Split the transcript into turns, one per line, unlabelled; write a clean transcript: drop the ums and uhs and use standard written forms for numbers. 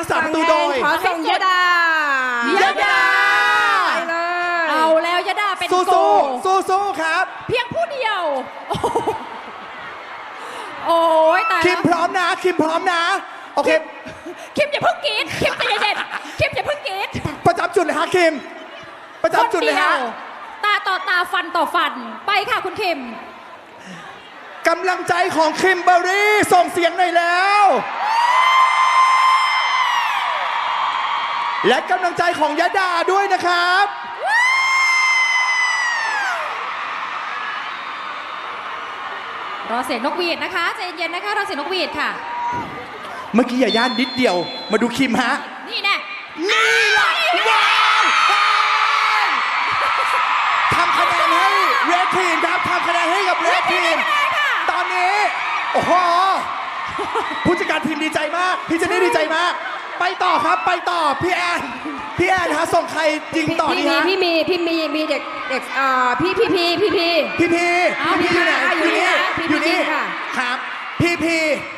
ษาประตูโดย
ขอส่งยะดาย
ะดา
ไปเลย
เอาแล้วยะดาเป็นโก
สู้ครับ
เพียงผู้เดียว โอ้ยตาย
คิมพร้อมนะคิมพร้อมนะโอเค
คิมอย่าเพิ่งกรีดคิมใจเย็นๆคิมอย่าเพิ่งกรีด
ประจำจุดเลยฮะคิมประจำจุดเลยฮะ
ตาต่อตาฟันต่อฟันไปค่ะคุณคิม
กำลังใจของคิมเบอร์รี่ส่งเสียงหน่อยแล้ว และกำลังใจของยะดาด้วยนะครับ
รอเสียงนกหวีดนะคะใจเย็นๆนะคะรอเสียงนกหวีดค่ะ
เมื่อกี้อย่าย่านนิดเดียวมาดูคิมฮะ
นี่แน่
นี่แหละว้าวทำคะแนนให้เรดทีมครับทำคะแนนให้กับเรดทีมตอนนี้โอ้โหผู้จัดการทีมดีใจมากพี่เจนนี่ดีใจมากไปต่อครับไปต่อพี่แอนฮะส่งใครยิงต่อดีฮะ
พี่มีเด็กพี่
พี่อยู่ไหนอยู่นี่
พี่ค่ะ
ครับพี่